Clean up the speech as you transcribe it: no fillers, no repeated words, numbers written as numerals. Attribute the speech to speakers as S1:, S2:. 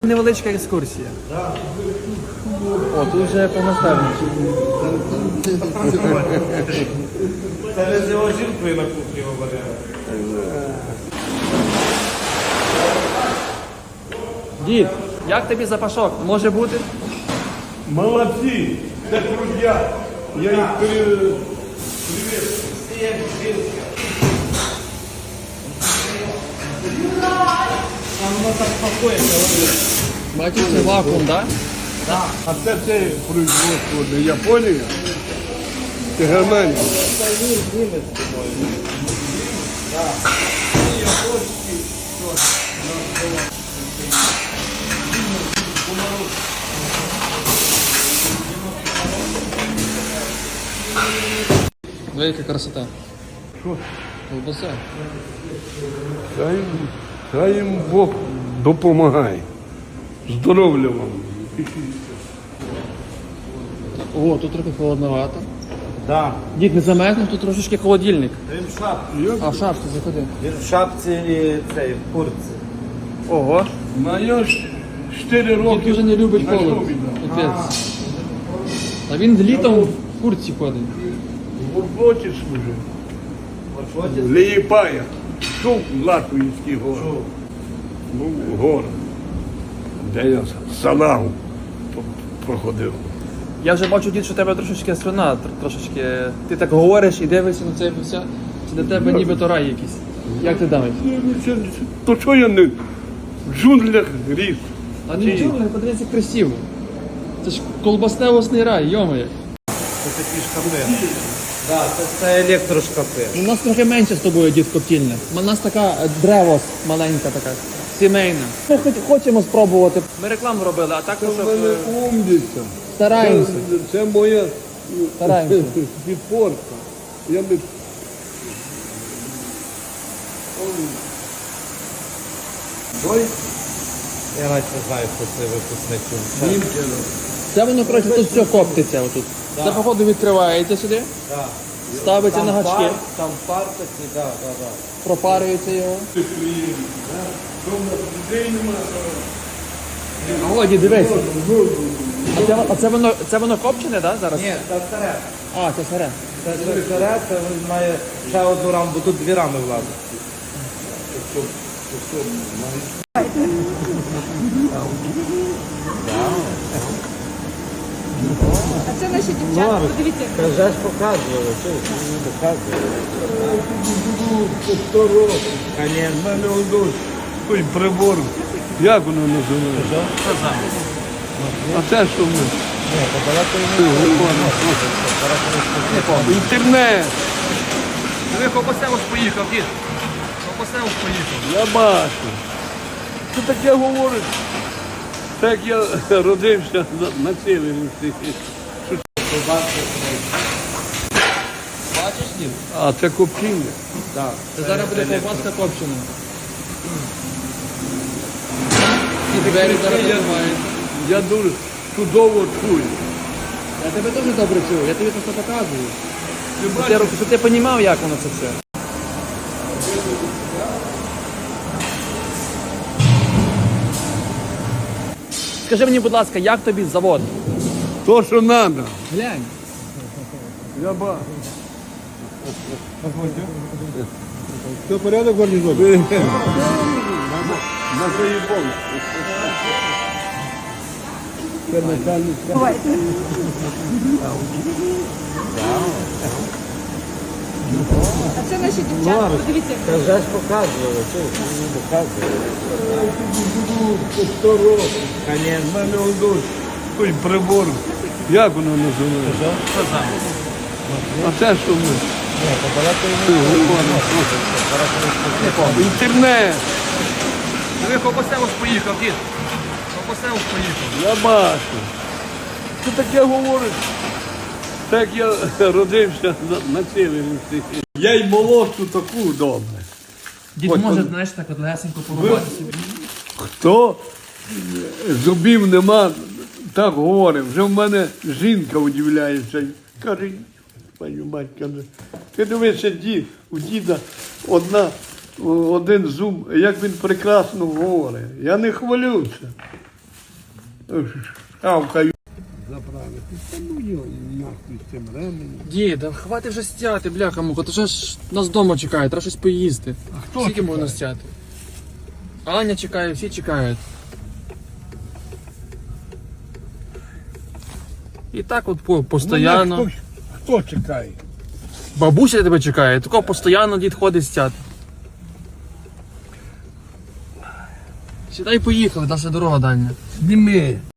S1: Невеличка екскурсія. О, тут вже повноставніше.
S2: Це не з його жінкою на кухні говорили.
S1: Дід, як тобі запашок? Може бути?
S3: Молодці, це крутя. Я їх привіт.
S2: Всі як жінка. А воно так пакується.
S1: Бачиш, це вакуум, так?
S3: А це производство не Японія, це Германія.
S1: Велика красота.
S3: Що?
S1: Колбаса.
S3: Хай їм Бог допомагає. Здоров'я вам.
S1: О, тут трохи холодновато.
S2: Так.
S1: Дід, не замерзнеш, тут трошечки холодильник.
S2: Він в шапці.
S1: А в шапці заходи.
S2: Він в шапці і цей, в куртці.
S1: Ого.
S3: Я 4 роки.
S1: Дід дуже не любить
S3: на
S1: холод.
S3: шлюбі, да.
S1: Капець. А він літом в куртці ходить.
S3: В роботі служив. Лієпая. Чув Латвійський город. Був город, де я салагу проходив.
S1: Я вже бачу, дід, що у тебе трошечки слюна, трошечки. Ти так говориш і дивишся на це все. Це для тебе ніби то рай якийсь. Як ти думаєш?
S3: То що я не в джунглях ріс?
S1: А нічого, подивіться, красиво. Це ж колбасневосний рай, йомає.
S2: Це такі шкафи. Так, це електрошкафи.
S1: У нас трохи менше з тобою, дід, коптільня. У нас така древос маленька така, сімейна. Ми хочемо спробувати. Ми рекламу робили, а так
S3: Це
S1: щоб
S3: в мене умниця.
S1: стараємося.
S3: Це моя
S1: Стараємося.
S3: підпорка. Я би... Ой,
S2: Я навіть не знаю, хто це випускник.
S3: німчина.
S1: Це воно, коротше, тут все коптиться отут. Це, походу, відкривається сюди,
S2: Так.
S1: ставиться на гачки,
S2: Там пар такий, так.
S1: пропарюється його. О, дід, дивись. А це воно копчене, так, зараз?
S2: Ні, це старе.
S1: А, це сире.
S2: Це старе, це він має ще одну раму, бо тут 2 рами влазить.
S4: А це наші дівчата, подивіться.
S2: Вже ж показували, не показували.
S3: 100 років.
S2: Конечно.
S3: У мене одось той прибор. Як воно називається? А це що ми? Інтернет.
S1: Ви Копосевич поїхав, дід. Копосевич поїхав.
S3: Я бачу. Що таке говорить? Так я родився на севері.
S1: Бачиш, дід?
S3: А це копчення.
S1: Це зараз буде ковбаска копчена. І двері зараз відкриваються.
S3: Я дуже чудово чую.
S1: Я тебе теж добре чую, я тобі просто показую. Щоб ти розумів, як воно це все. Скажи мені, будь ласка, як тобі завод?
S3: То, що треба.
S1: Глянь.
S3: Я бачу.
S5: Все порядок, гарнізон?
S3: На заїбон. Це начальник.
S4: А це наші дівчата, подивіться.
S2: Вже ж показували, не показували.
S3: 100 років. У
S2: Конечно.
S3: мене одось той прибор. Як воно називається? А це що ми? Інтернет.
S1: Ви Копосевич поїхав, дід. Копосевич поїхав.
S3: Я бачу. Що таке говорить? Так я родився на севері. Я й молодшу таку добре.
S1: Дід
S3: Ось
S1: може,
S3: он.
S1: знаєш, так от лесенько порубати собі.
S3: Хто зубів нема, так говорить. Вже в мене жінка удивляється. Каже, пані мать, каже, ти дивишся, у діда один зуб, як він прекрасно говорить. Я не хвалюся. шавкаю. Заправити. Та ну його нахуй з цим ременем.
S1: Діда, хватить вже стяти, бляха муха, то вже ж нас вдома чекає, треба щось поїсти.
S3: А хто
S1: Скільки
S3: чекає?
S1: можна стяти? Аня чекає, всі чекають. І так от постоянно.
S3: Ну, хто чекає?
S1: Бабуся тебе чекає, такого постійно дід ходить стяти. Сідай, поїхали, наша дорога дальня.
S3: Зніми.